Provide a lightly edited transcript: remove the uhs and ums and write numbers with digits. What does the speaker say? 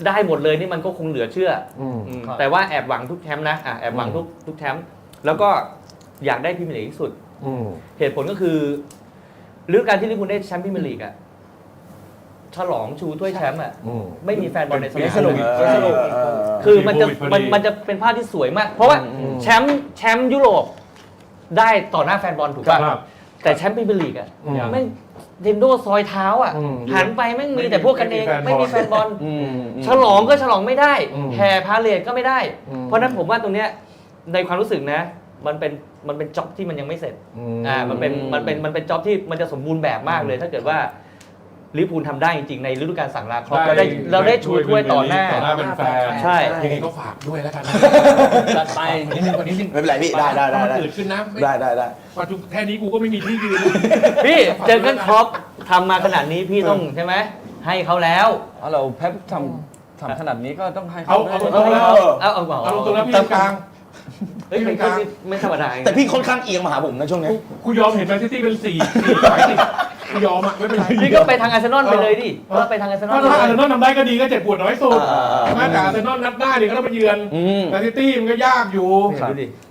ได้หมดเลยนี่มันก็คงเหลือเชื่อครับแต่ว่าแอบหวังทุกแชมป์นะแอบหวังทุกแชมป์แล้วก็อยากได้พรีเมียร์ลีกที่สุดเหตุผลก็คือฤดูกาลที่ลิเวอร์พูลได้แชมป์พรีเมียร์ลีกอะฉลองชูถ้วยแชมป์อะไม่มีแฟนบอลในสนามสนุกสนุกคือมันจะเป็นภาพที่สวยมาก เพราะว่าแชมป์ยุโรปได้ต่อหน้าแฟนบอลถูกป่ะครับแต่แชมป์พรีเมียร์ลีกอะไม่เทนโดซอยเท้าอะหันไปไม่มีแต่พวกกันเองไม่มีแฟนบอลฉลองก็ฉลองไม่ได้แห่พาเลทก็ไม่ได้ เพราะฉะนั้นผมว่าตรงเนี้ยในความรู้สึกนะมันเป็นจ็อบที่มันยังไม่เสร็จมันเป็นจ็อบที่มันจะสมบูรณ์แบบมากเลย ถ้าเกิดว่าลิเวอร์พูลทำได้จริงๆในฤดูกาลสั่งลาครอปเราได้ชูถ้วยต่อหน้าเป็นแฟนใช่ยังไงก็ฝากด้วยแล้วกันจัดไปนิดนึงกว่านิดนึงไม่เป็นไรพี่ได้มันตื่นขึ้นนะได้ปัจจุบันแค่นี้กูก็ไม่มีที่ยืนพี่เจอกันครอปทำมาขนาดนี้พี่ต้องใช่ไหมให้เขาแล้วเราแพปทำขนาดนี้ก็ต้องให้เอาเขาตรงๆแล้วเอาตรงๆแล้วพี่กลางเฮ้ยไม่ธรรมดาแต่พี่ค่อนข้างเอียงมาหาผมนะช่วงนี้กูยอมเห็นแมนซิตี้เป็น4 สายติดกูยอมอ่ะไม่เป็นไรพี่ก็ไปทางอาร์เซนอลไปเลยดิก็ไปทางอาร์เซนอลถ้าอาร์เซนอลทำได้ก็ดีก็เจ็บปวดน้อยสุดแต่อาร์เซนอลนัดหน้าเนี่ยก็ต้องไปเยือนแมนซิตี้มันก็ยากอยู่ดูดิ